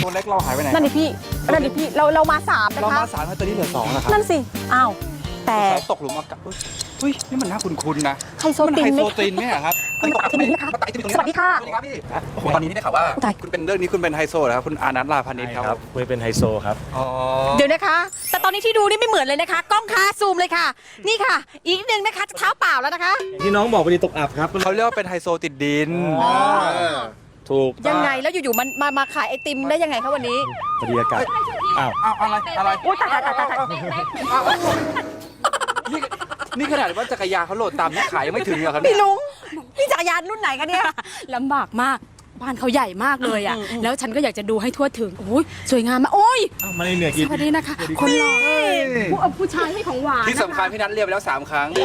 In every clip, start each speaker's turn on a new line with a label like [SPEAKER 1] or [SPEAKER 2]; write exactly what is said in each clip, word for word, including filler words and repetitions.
[SPEAKER 1] ตัวเล็กเราหายไปไหน
[SPEAKER 2] นั่นดิพี่นั่นดิพี่เราเรามาสามนะคะ
[SPEAKER 1] เรามาสามตอนนี้เหลือสองนะครับ
[SPEAKER 2] นั่นสิอ้าวแต่
[SPEAKER 1] ตกหลุมอากาศเฮ้ยนี่มันน่าคุ้นๆนะ
[SPEAKER 2] ไฮโซ
[SPEAKER 1] มัน
[SPEAKER 2] ติ
[SPEAKER 1] ไฮ
[SPEAKER 2] นไหม
[SPEAKER 1] โซตินไหมครับ
[SPEAKER 2] มันไอติมนะคะ
[SPEAKER 1] มันไอติมตรงนี้
[SPEAKER 2] สวัสดีค่ะ
[SPEAKER 1] สวัสดีครับพี่โอ้โหตอนนี้ได้ข่าวว่า
[SPEAKER 2] ตาย
[SPEAKER 1] คุณเป็นเรื่องนี้คุณเป็นไฮโซเหรอครับคุณอานัทลาพานิชครับ
[SPEAKER 3] คุยเป็นไฮโซครับ
[SPEAKER 1] อ๋อ
[SPEAKER 2] เดี๋ยวนะคะ แต่ตอนนี้ที่ดูนี่ไม่เหมือนเลยนะคะ กล้องคะซูมเลยค่ะ นี่ค่ะ อีกนิดนึงนะคะจะเท้าเปล่าแล้วนะคะ
[SPEAKER 3] ที่น้องบอกพอดีตกอับครับ
[SPEAKER 1] เขาเรียกว่าเป็นไฮโซติดดิน
[SPEAKER 3] ถูก
[SPEAKER 2] ยังไงแล้วอยู่ๆมันมามาขายไอติมได้ยังไงคะวันนี้
[SPEAKER 3] พอดีอากาศอ้าว
[SPEAKER 1] อ้าวอะไรอะไร
[SPEAKER 2] อุ้ยตายตายตายตายตาย
[SPEAKER 1] อ้าวนี่นี่ขนาดว่าจักรยานเขาโหลดตามนี่ขายยังไม่ถึงเหรอครับเนี่
[SPEAKER 2] พี่
[SPEAKER 1] ย
[SPEAKER 2] ลุงพี่จักรยานรุ่นไหนคะเนี่ย
[SPEAKER 4] ลำบากมากบ้านเขาใหญ่มากเลยอ่ะแล้วฉันก็อยากจะดูให้ทั่วถึงโอ้ยสวยงามมากโอ้ย
[SPEAKER 3] อ้าวมาในเหนือ
[SPEAKER 4] ส
[SPEAKER 3] กิน
[SPEAKER 4] วัสดีนะคะ คนหล่อผู้เอาผู้ชายให้ของหวาน
[SPEAKER 1] ที่สำคัญ
[SPEAKER 4] นะคะ
[SPEAKER 1] พี่นัทเรียกไปแล้วสามครั้ง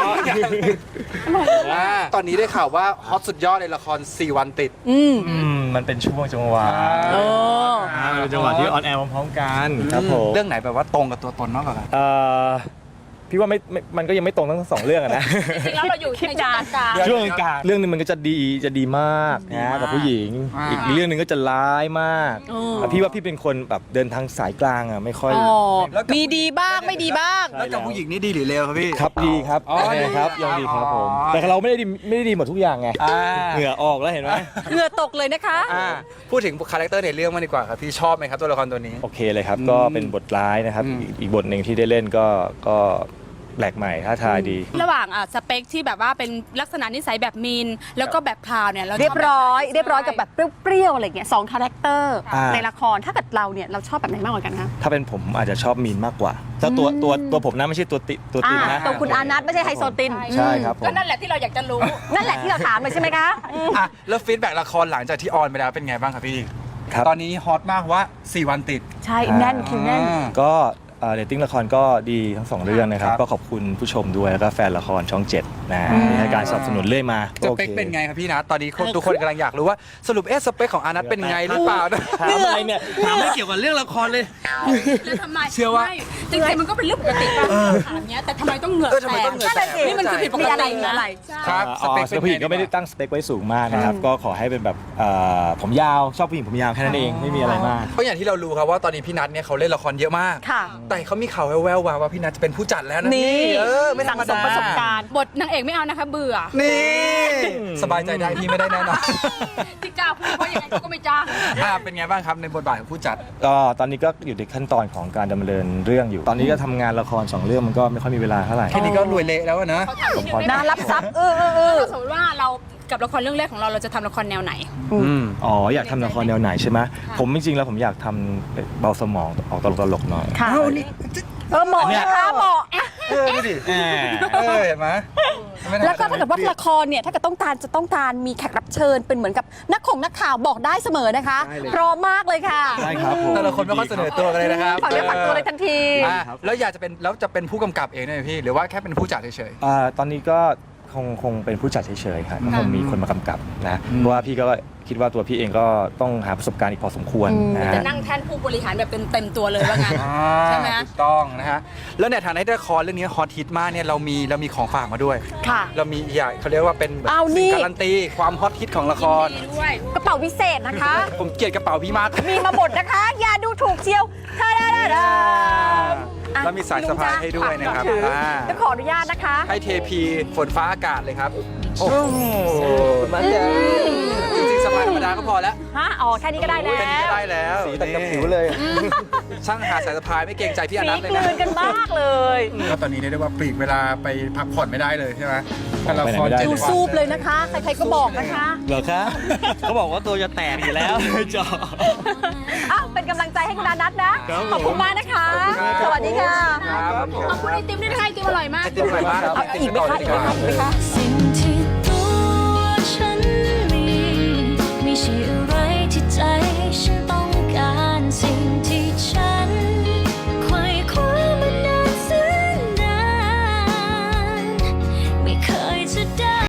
[SPEAKER 1] อ่าตอนนี้ได้ข่าวว่าฮอตสุดยอดในละครสี่วันติด
[SPEAKER 2] อืม
[SPEAKER 3] อืมมันเป็นช่วงจังหวะ
[SPEAKER 2] โอ้
[SPEAKER 3] อ่ามันเป็นจังหวะที่ออนแอร์พร้อมๆกันครับผม
[SPEAKER 1] เรื่องไหนแบบว่าตรงกับตัวตนมากกว่ากัน
[SPEAKER 3] เอ่อพี่ว่าไม่ไม่มันก็ยังไม่ตรงทั้งสองเรื่องอะนะ
[SPEAKER 4] จริงๆแล้วเราอยู่ในช่วงกลาง
[SPEAKER 3] ช่วงกลางเรื่องหนึงมันก็จะดีจะดีมากนะกับผู้หญิง อีกเรื่องหนึงก็จะร้ายมากแต่พี่ว่าพี่เป็นคนแบบเดินทางสายกลางอ่ะไม่ค่อย
[SPEAKER 2] อ๋อมีดีบ้างไม่ดีบ้าง
[SPEAKER 1] แล้วกับผู้หญิงนี่ดีหรือเลวครับพี่
[SPEAKER 3] ครับดีครับ
[SPEAKER 1] อ๋อ
[SPEAKER 3] โอเคครับ
[SPEAKER 1] ดี
[SPEAKER 3] ยังดีครับผม
[SPEAKER 1] อ๋อ
[SPEAKER 3] แต่เราไม่ได้ดีไม่ได้ดีหมดทุกอย่างไง
[SPEAKER 1] อ่า
[SPEAKER 3] เหงื่อออกแล้วเห็นไหม
[SPEAKER 2] เหงื่อตกเลยนะคะ
[SPEAKER 1] อ่าพูดถึงคาแรคเตอร์ในเรื่องมากดีกว่าครับพี่ชอบไหมครับตัวละครตัวนี้
[SPEAKER 3] โอเคเลยครับก็เป็นบทร้ายนะครับ
[SPEAKER 1] อืม
[SPEAKER 3] อีกอีกบทหนึ่งที่ได้เล่นก็ก็แปลกใหม่ท้าทายดี
[SPEAKER 4] ระหว่างอ่ะสเปคที่แบบว่าเป็นลักษณะนิสัยแบบมีนแล้วก็แบบพราวเนี่ยเราช
[SPEAKER 2] เรียบร้อย
[SPEAKER 4] แบบไหน
[SPEAKER 2] เรียบร้อยกับแบบเปรี้ยวๆอะไรอย่างเงี้ยสองคาแรคเตอร์
[SPEAKER 3] อ่า
[SPEAKER 2] ในละครถ้าเกิดเราเนี่ยเราชอบแบบไหนมากกว่ากันคะ
[SPEAKER 3] ถ้าเป็นผมอาจจะชอบมีนมากกว่าถ้าตัวตัวตัวผมนะไม่ใช่ตัวติตัวตินนะ
[SPEAKER 2] ตัวคุณอานัทไม่ใช่ไฮโซติน
[SPEAKER 3] ใช่ครับผม
[SPEAKER 4] ก็นั่นแหละที่เราอยากจะรู้
[SPEAKER 2] นั่นแหละที่เราถามเลยใช่ไหมคะอืม
[SPEAKER 1] อ่ะแล้วฟีดแบ็กละครหลังจากที่ออนไปแล้วเป็นไงบ้างครับพี่
[SPEAKER 3] ครับ
[SPEAKER 1] ตอนนี้ฮอตมากว่าสี่วันติด
[SPEAKER 2] ใช่แน่นคิวแน่น
[SPEAKER 1] อ่า
[SPEAKER 3] ก็เรตติ้งละครก็ดีทั้งสองเรื่องนะครับ
[SPEAKER 1] ครับ
[SPEAKER 3] ก็ขอบคุณผู้ชมด้วยแล้วก็แฟนละครช่องเจ็ดนะที่ให้การสนับสนุนเรื่อยมา
[SPEAKER 1] ส
[SPEAKER 3] โอ
[SPEAKER 1] เป
[SPEAKER 3] ค
[SPEAKER 1] คเป็นไงครับพี่นะตอนนี้คนทุกคนกำลังอยากรู้ว่าสรุปเอ๊ะสเปคของอานัทเป็นไงหรือเปล่านะ
[SPEAKER 3] ถามอะไรเนี่ยถามไม่เกี่ยวกับเรื่องละครเลย
[SPEAKER 4] แล้วทำไม
[SPEAKER 1] เชื่อว่า
[SPEAKER 4] ไม่จริงๆมันก็เป็นเรื่องปกติป่ะถามเนี้ยแต่ทำไมต้องเหงื่อ
[SPEAKER 1] เออทำไม
[SPEAKER 4] แต
[SPEAKER 1] ต้อง
[SPEAKER 4] ก
[SPEAKER 1] เหงื่อแตก
[SPEAKER 4] นี่มันคือผิดปกติ
[SPEAKER 2] มีอะไรมีอะไร
[SPEAKER 1] ครับ
[SPEAKER 3] อ๋อสเปคผู้หญิงก็ไม่ได้ตั้งสเปคไว้สูงมากนะครับ ก็ขอให้เป็นแบบเอ่อผมยาวชอบผู้หญิงผมยาวแค่นั้นเองไม่มีอะไรมาก
[SPEAKER 1] เพราะอย่างที่เรารู้ครับว่าตอนนี้พี่นัทเนี่ยเขาเล่นละครเยอะมาก
[SPEAKER 2] ค่ะ
[SPEAKER 1] แต่เขามีข่าวแว่วๆมาว่าพี่นัทจะเป็นผู้จัดแล้วนะ
[SPEAKER 2] นี่
[SPEAKER 1] เออไม่ธรรม
[SPEAKER 2] สั่งส
[SPEAKER 1] ดาม
[SPEAKER 2] ประสบการณ์
[SPEAKER 4] บทนางเอกไม่เอานะคะเบื่อ
[SPEAKER 1] นี่สบายใจได้พี่ไม่ได้แน่นอน
[SPEAKER 4] ที่กล้าพูดเพราะยังไงเขาก็ไม่จ้าง
[SPEAKER 1] อ่าเป็นไงบ้างครับในบทบาทของผู้จัด
[SPEAKER 3] ก็ตอนนี้ก็อยู่ในขั้นตอนของการดำเนินเรื่องอยู่ ตอนนี้ก็ทำงานละครสองเรื่องมันก็ไม่ค่อยมีเวลาเท่าไหร่
[SPEAKER 1] แค่นี้ก็รวยเละแล้วอะนะ
[SPEAKER 4] เขาถามนิดนึงได้
[SPEAKER 2] น่า
[SPEAKER 4] ไหม
[SPEAKER 2] รับทรัพย์เออเออเออ
[SPEAKER 4] ถ้าสมมติว่าเรากับละครเรื่องแรกของเราเราจะทำละครแนวไหน
[SPEAKER 1] อืม
[SPEAKER 3] อ๋ออยากทำละครแนวไหนใช่ไหมผมจริงๆแล้วผมอยากทำเบาสมองออกตลกๆหน่อย
[SPEAKER 2] ค่ะ
[SPEAKER 1] เอ้านี่
[SPEAKER 2] เออเหมาะนะคะเหมาะ
[SPEAKER 1] เออดูดิเออเห็นไหมไม่ธรรมดา
[SPEAKER 2] แล้วก็ถ้าเกิดว่าละครเนี่ยถ้าเกิดต้องการจะต้องการมีแขกรับเชิญเป็นเหมือนกับนักข่งนักข่าวบอกได้เสมอนะคะ
[SPEAKER 3] ได้เลย
[SPEAKER 2] พร้อมมากเลยค่ะ
[SPEAKER 3] ได้ครับผม
[SPEAKER 1] แต่ละคนไม่ค่อยเสนอตัวกันเลยนะครับ
[SPEAKER 2] ฝากเนื้อฝากตัวเลยทันที
[SPEAKER 1] อ่ะแล้วอยากจะเป็นแล้วจะเป็นผู้กำกับเองได้ไหมพี่หรือว่าแค่เป็นผู้จัดเฉย
[SPEAKER 3] อ่าตอนนี้ก็คงคงเป็นผู้จัดเฉยๆครับคงมีคนมากำกับนะ
[SPEAKER 1] อืม
[SPEAKER 3] เพราะว่าพี่ก็คิดว่าตัวพี่เองก็ต้องหาประสบการณ์อีกพอสมควรนะ
[SPEAKER 4] จะ
[SPEAKER 3] ฮะ
[SPEAKER 4] นั่งแท่นผู้บริหารแบบเต็มๆตัวเลยว่างั้น
[SPEAKER 1] ๆอ่า
[SPEAKER 4] ใช่ไหม
[SPEAKER 1] ถูกต้องนะฮะแล้วในฐานะที่ละครเรื่องนี้ฮอตฮิตมากเนี่ยเรามีเรามีของฝากมาด้วย
[SPEAKER 2] ค่ะ
[SPEAKER 1] เรามีอย่างเขาเรียกว่าเป็นแบบ
[SPEAKER 2] เอานี่
[SPEAKER 1] สิ่งการันตีความฮอตฮิตของละคร
[SPEAKER 4] ดีด้วย
[SPEAKER 2] กระเป๋าวิเศษนะคะ
[SPEAKER 1] ผมเกลียดกระเป๋าพี่มาก
[SPEAKER 2] มีมาหมดนะคะ อย่าดูถูกเชียวทาดาดาดาอ่ะ
[SPEAKER 1] แล้วมีสายสะพายให้ด้วยนะครับ
[SPEAKER 2] ถือ
[SPEAKER 1] อ่า
[SPEAKER 2] จะขออนุญาตนะคะ
[SPEAKER 1] ให้เทพีฝนฟ้าอากาศเลยครับโอ้โหมันจะจริงๆสะพายธรรมดาก็พอแล้ว
[SPEAKER 2] ฮะ อ๋อ แค่นี้ก็ได้แล้ว
[SPEAKER 1] แค่นี้ก็ได้แล้ว
[SPEAKER 3] สีตัดกับผิวเลย
[SPEAKER 1] ช่างหาสายสะพายไม่เกรงใจพี่อ
[SPEAKER 2] สี
[SPEAKER 1] นัทเลย
[SPEAKER 2] กลื
[SPEAKER 1] นะ
[SPEAKER 2] นกันมากเลย
[SPEAKER 1] แล้วตอนนี้เรียกได้ว่าปลีกเวลาไปพักผ่อนไม่ได้เลยใช่ไหมละคร
[SPEAKER 3] ไปไหนไม่ได้
[SPEAKER 1] เจ็ด
[SPEAKER 2] ดู
[SPEAKER 1] วัน
[SPEAKER 2] ซูบเลยนะคะ ใครๆก็บอกนะคะ
[SPEAKER 3] เหรอคะเขาบอกว่าตัวจะแตกอยู่แล้วจอ
[SPEAKER 2] อ้าว เป็นกำลังใจให้คุณอานัทนะ
[SPEAKER 3] ครับผม
[SPEAKER 2] ขอบคุณมากนะคะ สวัสดีค่ะ
[SPEAKER 1] ครับผม
[SPEAKER 4] ขอบคุณไอติมด้วยนะคะไอติมอร่อยมาก
[SPEAKER 1] ไอติมอร่อยมาก
[SPEAKER 2] เอาอีกไหมคะอีกไหมคะอีกไหมคะ
[SPEAKER 5] สิ่ง